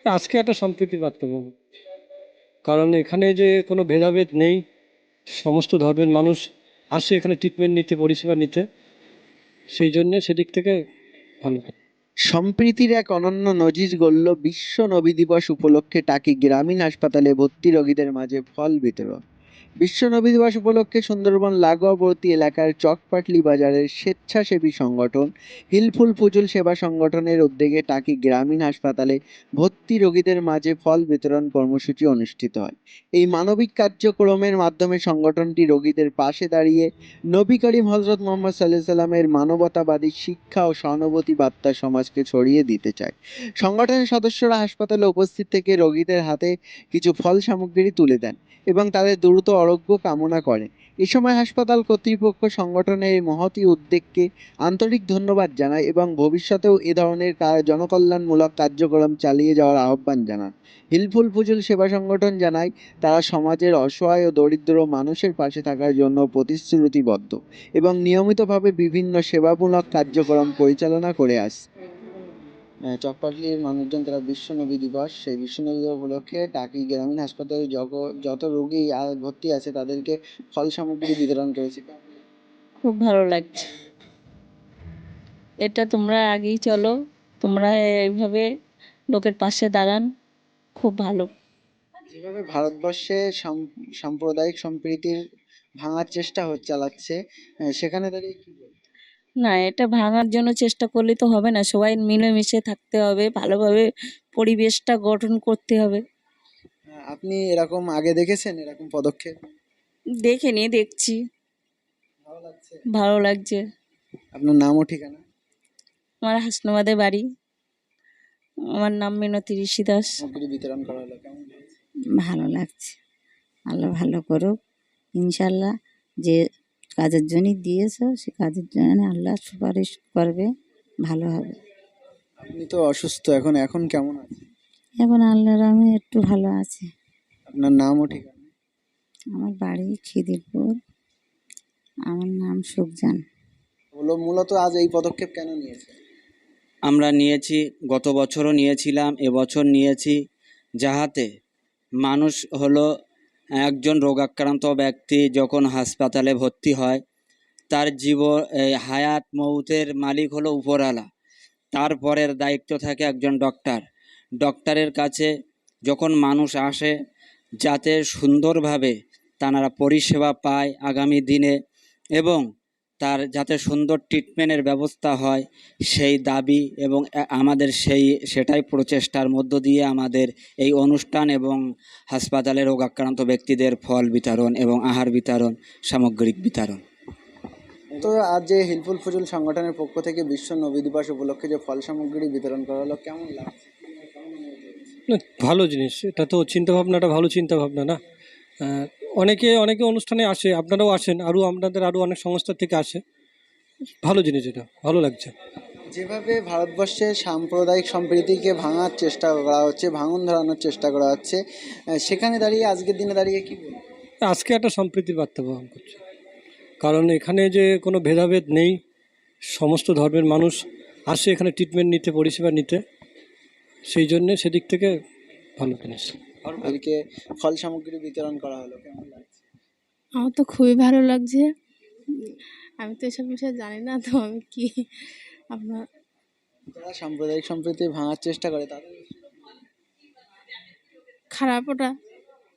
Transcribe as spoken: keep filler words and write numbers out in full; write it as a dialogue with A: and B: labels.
A: আজকে একটা সম্প্রীতির বার্তা পাবো, কারণ এখানে যে কোনো ভেদাভেদ নেই। সমস্ত ধর্মের মানুষ আসে এখানে ট্রিটমেন্ট নিতে, পরিষেবা নিতে। সেই জন্যে সেদিক থেকে ভালো।
B: সম্প্রীতির এক অনন্য নজির গড়ল বিশ্ব নবী দিবস উপলক্ষে টাকি গ্রামীণ হাসপাতালে ভর্তি রোগীদের মাঝে ফল বিতরণ। বিশ্ব নবী দিবস উপলক্ষে সুন্দরবন লাগোয়াবর্তী এলাকার চকপাটলি বাজারের স্বেচ্ছাসেবী সংগঠন হিলফুল ফুজুল সেবা সংগঠনের উদ্যোগে টাকি গ্রামীণ হাসপাতালে ভর্তি রোগীদের মাঝে ফল বিতরণ কর্মসূচি অনুষ্ঠিত হয়। এই মানবিক কার্যক্রমের মাধ্যমে সংগঠনটি রোগীদের পাশে দাঁড়িয়ে নবী করিম হজরত মোহাম্মদ সাল্লাহ সাল্লামের মানবতাবাদী শিক্ষা ও সহানুভূতি বার্তা সমাজকে ছড়িয়ে দিতে চায়। সংগঠনের সদস্যরা হাসপাতালে উপস্থিত থেকে রোগীদের হাতে কিছু ফল সামগ্রী তুলে দেন এবং তাদের দ্রুত আরোগ্য কামনা করেন। এ সময় হাসপাতাল কর্তৃপক্ষ সংগঠনের এই মহতী উদ্যোগকে আন্তরিক ধন্যবাদ জানায় এবং ভবিষ্যতেও এ ধরনের জনকল্যাণমূলক কার্যক্রম চালিয়ে যাওয়ার আহ্বান জানান। হিলফুল ফুজুল সেবা সংগঠন জানায় তারা সমাজের অসহায় ও দরিদ্র মানুষের পাশে থাকার জন্য প্রতিশ্রুতিবদ্ধ এবং নিয়মিতভাবে বিভিন্ন সেবামূলক কার্যক্রম পরিচালনা করে আসছে। চকপাটলির মানুষজন তারা বিশ্ব নবী দিবস, সেই বিশ্ব নবী দিবস উপলক্ষে টাকি গ্রামীণ হাসপাতালে যত রোগী ভর্তি আছে তাদেরকে ফল সামগ্রী বিতরণ করেছে।
C: খুব ভালো লাগছে। এটা তোমরা আগেই চলো, তোমরা এইভাবে লোকের পাশে দাঁড়ান, খুব ভালো।
B: যেভাবে ভারতবর্ষে সাম্প্রদায়িক সম্প্রীতির ভাঙার চেষ্টা হচ্ছে চালাচ্ছে, সেখানে দাঁড়িয়ে কি বলবো?
C: না, এটা ভাঙার জন্য চেষ্টা করলে তো হবে না, সবাই মিলেমিশে থাকতে হবে, ভালোভাবে পরিবেশটা গঠন করতে হবে।
B: আপনি এরকম আগে দেখেছেন এরকম পদক্ষেপ?
C: দেখিনি, দেখছি,
B: ভালো লাগছে।
C: ভালো লাগছে।
B: আপনার নাম ও ঠিকানা?
C: আমার হাসনাবাদে বাড়ি। আমার নাম মিনতি ঋষি দাস।
B: সামগ্রী বিতরণ করা হলো, কেমন লাগছে?
D: ভালো লাগছে। আল্লাহ ভালো করুক ইনশাল্লাহ। যে কাজের জন্যই দিয়েছো সে কাজের জন্য আল্লাহ সুপারিশ করবে, ভালো হবে।
B: আপনি তো অসুস্থ এখন, এখন কেমন আছেন?
D: এখন আল্লাহর আমি একটু ভালো আছি।
B: আপনার নাম ও ঠিকানা?
D: আমার বাড়ি খিদিরপুর, আমার নাম সুখজান।
B: হলো মূলত আজ এই পদক্ষেপ কেন নিয়েছে?
E: আমরা নিয়েছি, গত বছরও নিয়েছিলাম, এবছর নিয়েছি, যাহাতে মানুষ হলো একজন রোগাক্রান্ত ব্যক্তি যখন হাসপাতালে ভর্তি হয়, তার জীবন হায়াত মৌতের মালিক হলো উপরওয়ালা। তারপরের দায়িত্ব থাকে একজন ডক্টর। ডক্টরের কাছে যখন মানুষ আসে, যাতে সুন্দরভাবে তারা পরিষেবা পায় আগামী দিনে এবং তার যাতে সুন্দর ট্রিটমেন্টের ব্যবস্থা হয়, সেই দাবি এবং আমাদের সেই সেটাই প্রচেষ্টার মধ্য দিয়ে আমাদের এই অনুষ্ঠান এবং হাসপাতালে রোগাক্রান্ত ব্যক্তিদের ফল বিতরণ এবং আহার বিতরণ, সামগ্রিক বিতরণ।
B: তো আজ যে হিলফুল ফুজুল সংগঠনের পক্ষ থেকে বিশ্ব নবী দিবস উপলক্ষে যে ফল সামগ্রী বিতরণ করা হলো, কেমন লাগছে?
A: না, ভালো জিনিস। এটা তো চিন্তাভাবনাটা ভালো চিন্তাভাবনা না। অনেকে অনেকে অনুষ্ঠানে আসে, আপনারাও আসেন, আরও আপনাদের আরও অনেক সংস্থা থেকে আসে। ভালো জিনিস, এটা ভালো লাগছে।
B: যেভাবে ভারতবর্ষে সাম্প্রদায়িক সম্প্রীতিকে ভাঙার চেষ্টা করা হচ্ছে, ভাঙন ধরানোর চেষ্টা করা হচ্ছে, সেখানে দাঁড়িয়ে আজকের দিনে দাঁড়িয়ে কি বলবো?
A: আজকে একটা সম্প্রীতির বার্তা বহন করছে, কারণ এখানে যে কোনো ভেদাভেদ নেই। সমস্ত ধর্মের মানুষ আসে এখানে ট্রিটমেন্ট নিতে, পরিষেবা নিতে। সেই জন্যে সেদিক থেকে ভালো জিনিস।
B: তাদেরকে ফল সামগ্রী বিতরণ করা হলো, কেমন লাগছে?
F: আমার তো খুবই ভালো লাগছে। আমি তো এসব বিষয়ে জানি না, তো আমি কি আপনার
B: যারা সাম্প্রদায়িক সম্প্রীতি ভাঙার চেষ্টা করে তাদের
F: খারাপ ওটা